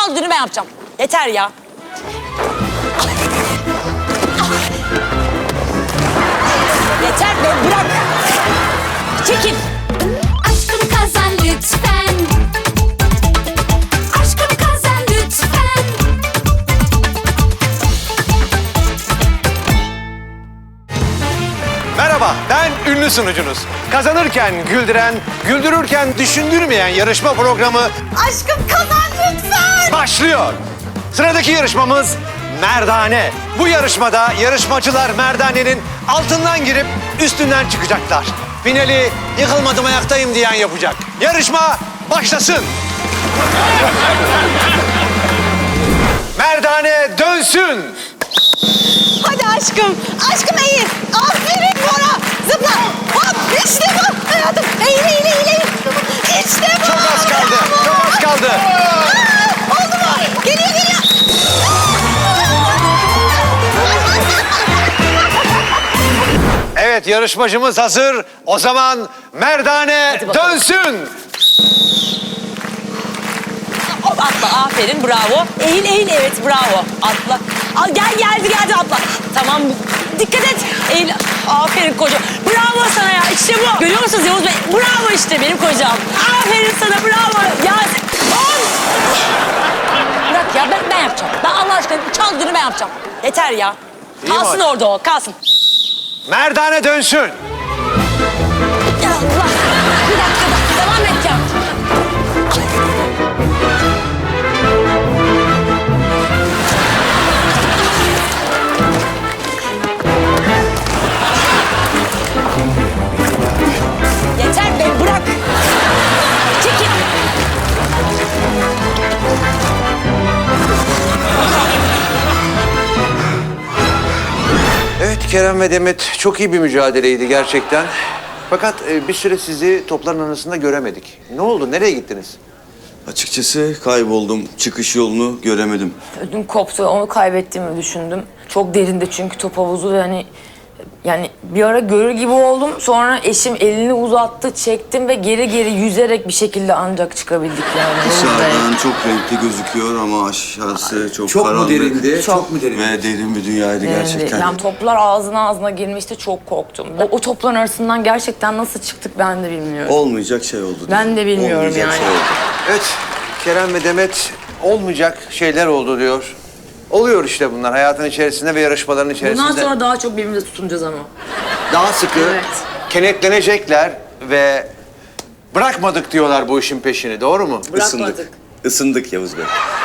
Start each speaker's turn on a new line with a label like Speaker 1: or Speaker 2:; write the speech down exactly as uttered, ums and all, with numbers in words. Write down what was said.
Speaker 1: çaldığını ben yapacağım. Yeter ya. Yeter be, bırak. Çekil.
Speaker 2: Aşkım kazan lütfen. Aşkım kazan lütfen.
Speaker 3: Merhaba, ben ünlü sunucunuz. Kazanırken güldüren, güldürürken düşündürmeyen yarışma programı
Speaker 1: Aşkım kazan lütfen.
Speaker 3: başlıyor. Sıradaki yarışmamız Merdane. Bu yarışmada yarışmacılar merdanenin altından girip üstünden çıkacaklar. Finali yıkılmadım ayaktayım diyen yapacak. Yarışma başlasın. Merdane dönsün.
Speaker 1: Hadi aşkım. Aşkım eğil. Aferin Bora. Zıpla. Hop. İşte bu. Hayatım. Eğil, eğil, eğil, eğil. İşte bu.
Speaker 3: Çok az kaldı.
Speaker 1: Bravo.
Speaker 3: Çok az kaldı.
Speaker 1: Aa, oldu mu? Geliyor, geliyor.
Speaker 3: Evet, yarışmacımız hazır. O zaman Merdane dönsün.
Speaker 1: Hop atla. Aferin. Bravo. Eğil, eğil. Evet, bravo. Atla. Al, gel, geldi, geldi. Atla. Tamam. Dikkat et. Eğil. Aferin kocam. Bravo sana ya. İşte bu. Görüyor musunuz Yavuz Bey? Bravo işte benim kocam. Aferin sana. Bravo. Ya on. Bırak ya. Ben, ben yapacağım. Ben Allah aşkına çaldığını ben yapacağım. Yeter ya.
Speaker 3: İyi
Speaker 1: Kalsın
Speaker 3: mi?
Speaker 1: orada o. Kalsın.
Speaker 3: Merdane dönsün.
Speaker 1: Ya Allah. Bir dakika da. Devam et ya. Yeter be, bırak. Çekil.
Speaker 3: Evet, Kerem ve Demet çok iyi bir mücadeleydi gerçekten. Fakat e, bir süre sizi topların arasında göremedik. Ne oldu? Nereye gittiniz?
Speaker 4: Açıkçası kayboldum. Çıkış yolunu göremedim.
Speaker 5: Ödüm koptu. Onu kaybettiğimi düşündüm. Çok derinde çünkü top havuzu ve hani yani bir ara görür gibi oldum. Sonra eşim elini uzattı, çektim ve geri geri yüzerek bir şekilde ancak çıkabildik yani.
Speaker 4: Dışarıdan çok renkli gözüküyor ama aşağısı çok,
Speaker 3: Çok mu
Speaker 4: karanlık.
Speaker 3: derindi?
Speaker 5: Çok.
Speaker 3: Çok mu derindi?
Speaker 4: Ve derin bir dünyaydı gerçekten.
Speaker 5: Yani toplar ağzına ağzına girmişti, çok korktum. O, o topların arasından gerçekten nasıl çıktık ben de bilmiyorum.
Speaker 4: Olmayacak şey oldu.
Speaker 5: Ben de bilmiyorum
Speaker 4: Olmayacak
Speaker 5: yani.
Speaker 4: Şey oldu.
Speaker 3: Evet, Kerem ve Demet olmayacak şeyler oldu diyor. Oluyor işte bunlar hayatın içerisinde ve yarışmaların içerisinde.
Speaker 5: Bundan sonra daha çok birbirimize tutunacağız ama.
Speaker 3: daha sıkı
Speaker 5: Evet.
Speaker 3: kenetlenecekler ve bırakmadık diyorlar bu işin peşini. Doğru mu?
Speaker 5: Bırakmadık.
Speaker 4: Isındık. Isındık Yavuz Bey.